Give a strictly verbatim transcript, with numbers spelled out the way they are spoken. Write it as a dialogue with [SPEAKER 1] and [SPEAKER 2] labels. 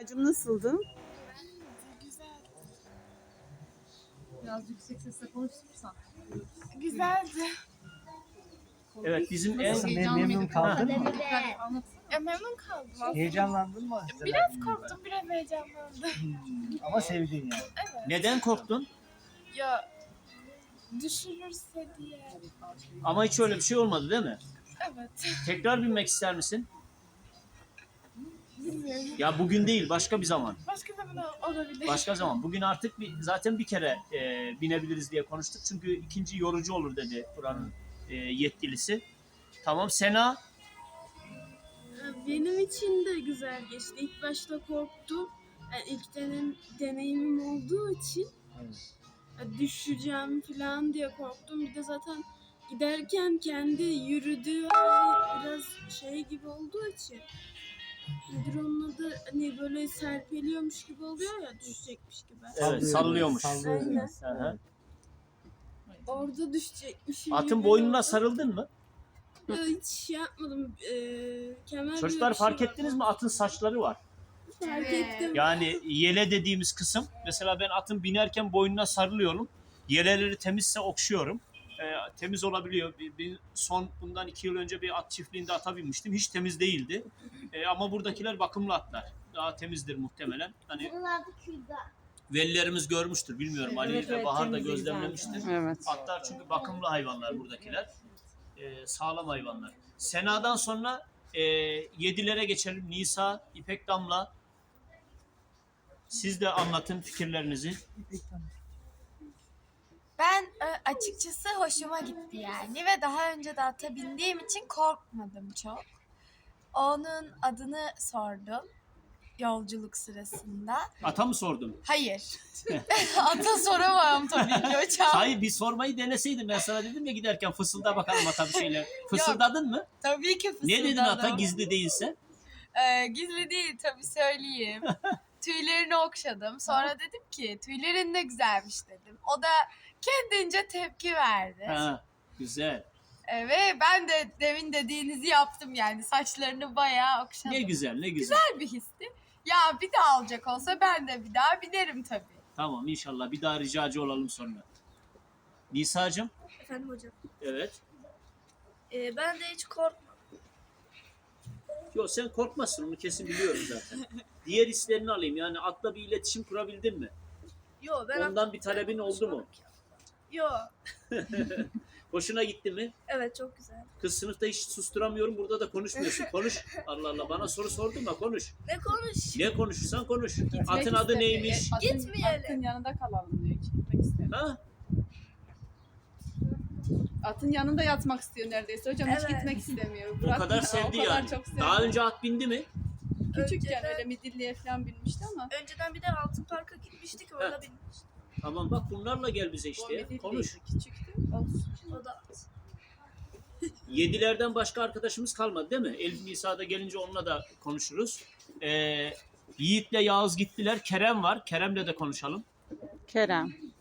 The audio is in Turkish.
[SPEAKER 1] Hocam nasıldı?
[SPEAKER 2] Biraz yüksek sesle konuşursan.
[SPEAKER 3] Güzeldi.
[SPEAKER 4] Evet, bizim en
[SPEAKER 5] Nasıl, mem- memnun kaldın mı?
[SPEAKER 3] Ya memnun kaldım aslında.
[SPEAKER 5] Heyecanlandın mı?
[SPEAKER 3] Biraz korktum, biraz heyecanlandım.
[SPEAKER 5] Ama sevdin yani.
[SPEAKER 4] neden korktun?
[SPEAKER 3] Ya düşürürse diye.
[SPEAKER 4] Ama hiç öyle bir şey olmadı değil mi?
[SPEAKER 3] Evet.
[SPEAKER 4] Tekrar binmek ister misin?
[SPEAKER 3] Bilmiyorum.
[SPEAKER 4] Ya bugün değil, başka bir zaman.
[SPEAKER 3] Başka zaman olabilir.
[SPEAKER 4] Başka zaman. Bugün artık bir, zaten bir kere e, binebiliriz diye konuştuk. Çünkü ikinci yorucu olur dedi buranın e, yetkilisi. Tamam, Sena.
[SPEAKER 6] Benim için de güzel geçti. İlk başta korktum. Yani ilk denem, deneyimim olduğu için yani düşeceğim falan diye korktum. Bir de zaten giderken kendi yürüdüğü hali biraz şey gibi olduğu için nedir onun adı, hani böyle serpeliyormuş gibi oluyor ya, düşecekmiş gibi.
[SPEAKER 4] Evet, sallıyormuş.
[SPEAKER 5] Sallıyor.
[SPEAKER 6] Aynen.
[SPEAKER 4] Hı hı.
[SPEAKER 6] Orada düşecekmişim
[SPEAKER 4] Atın
[SPEAKER 6] gibi
[SPEAKER 4] boynuna
[SPEAKER 6] oldu.
[SPEAKER 4] sarıldın mı?
[SPEAKER 6] Ya hiç şey yapmadım. Ee, kemer
[SPEAKER 4] Çocuklar
[SPEAKER 6] gibi bir
[SPEAKER 4] fark
[SPEAKER 6] şey
[SPEAKER 4] ettiniz mi? Atın saçları var.
[SPEAKER 6] Fark ettim.
[SPEAKER 4] Yani yele dediğimiz kısım. Mesela ben atın binerken boynuna sarılıyorum. Yeleleri temizse okşuyorum. Ee, temiz olabiliyor. Bir, bir son bundan iki yıl önce bir at çiftliğinde ata binmiştim. Hiç temiz değildi. Ee, ama buradakiler bakımlı atlar. Daha temizdir muhtemelen. Hani velilerimiz görmüştür. Bilmiyorum. Ali
[SPEAKER 1] Evet,
[SPEAKER 4] ve
[SPEAKER 1] evet,
[SPEAKER 4] Bahar da
[SPEAKER 1] temizlik
[SPEAKER 4] gözlemlemiştir.
[SPEAKER 1] zaten. Evet.
[SPEAKER 4] Atlar çünkü bakımlı hayvanlar buradakiler. Ee, sağlam hayvanlar. Sena'dan sonra e, yedilere geçelim. Nisa, İpek Damla. Siz de anlatın fikirlerinizi.
[SPEAKER 3] Ben e, açıkçası hoşuma gitti yani ve daha önce de ata bindiğim için korkmadım çok. Onun adını sordum yolculuk sırasında.
[SPEAKER 4] Ata mı sordun?
[SPEAKER 3] Hayır. Ata soramam tabii ki hocam.
[SPEAKER 4] Hayır, bir sormayı deneseydin. Ben sana dedim ya giderken fısılda bakalım ata bir şeyler. Fısıldadın mı?
[SPEAKER 3] Tabii ki fısıldadım.
[SPEAKER 4] Ne dedin ata gizli değilse?
[SPEAKER 3] Ee, gizli değil tabii söyleyeyim. Tüylerini okşadım. Sonra dedim ki tüylerin ne güzelmiş dedim. O da kendince tepki verdi.
[SPEAKER 4] Ha, güzel.
[SPEAKER 3] Ee, ve ben de demin dediğinizi yaptım yani. Saçlarını bayağı okşadım.
[SPEAKER 4] Ne güzel, ne güzel.
[SPEAKER 3] Güzel bir histi. Ya bir daha alacak olsa ben de bir daha binerim tabii.
[SPEAKER 4] Tamam, inşallah bir daha ricacı olalım sonra. Nisa'cığım.
[SPEAKER 6] Efendim hocam.
[SPEAKER 4] Evet.
[SPEAKER 6] Ee, ben de hiç korkmadım.
[SPEAKER 4] Yok, sen korkmazsın, onu kesin biliyorum zaten. Diğer hislerini alayım. Yani atla bir iletişim kurabildin mi?
[SPEAKER 6] Yo, ben
[SPEAKER 4] Ondan bir talebin oldu mu?
[SPEAKER 6] Yo.
[SPEAKER 4] Hoşuna gitti mi?
[SPEAKER 6] Evet, çok güzel.
[SPEAKER 4] Kız sınıfta hiç susturamıyorum, burada da konuşmuyorsun. Konuş. Allah Allah, bana soru sordun da konuş.
[SPEAKER 6] Ne konuş?
[SPEAKER 4] Ne konuşursan konuş.
[SPEAKER 2] Gitmek
[SPEAKER 4] Atın adı
[SPEAKER 2] istemiyor.
[SPEAKER 4] neymiş?
[SPEAKER 2] E, atın,
[SPEAKER 6] Gitmeyelim.
[SPEAKER 2] Atın yanında kalalım diyor. Hiç gitmek istemiyor.
[SPEAKER 4] Ha?
[SPEAKER 2] Atın yanında yatmak istiyor neredeyse. Hocam hiç
[SPEAKER 6] Evet.
[SPEAKER 2] gitmek istemiyor.
[SPEAKER 4] O
[SPEAKER 2] Bırak-
[SPEAKER 4] kadar sevdi
[SPEAKER 2] o kadar
[SPEAKER 4] yani.
[SPEAKER 2] çok sevdi.
[SPEAKER 4] Daha önce at bindi mi?
[SPEAKER 2] Küçükken
[SPEAKER 6] Önceden-
[SPEAKER 2] öyle midilliye falan binmişti ama.
[SPEAKER 6] Önceden bir de Altın Park'a gitmiştik, orada binmiştik.
[SPEAKER 4] Tamam, bak bunlarla gel bize
[SPEAKER 2] O
[SPEAKER 4] işte ya.
[SPEAKER 2] midilliydi,
[SPEAKER 4] Konuş.
[SPEAKER 2] küçüktü. Olsun.
[SPEAKER 6] O da
[SPEAKER 4] Yedilerden başka arkadaşımız kalmadı değil mi? Elif Nisa'da gelince onunla da konuşuruz. Ee, Yiğit'le Yağız gittiler. Kerem var. Kerem'le de konuşalım.
[SPEAKER 1] Kerem.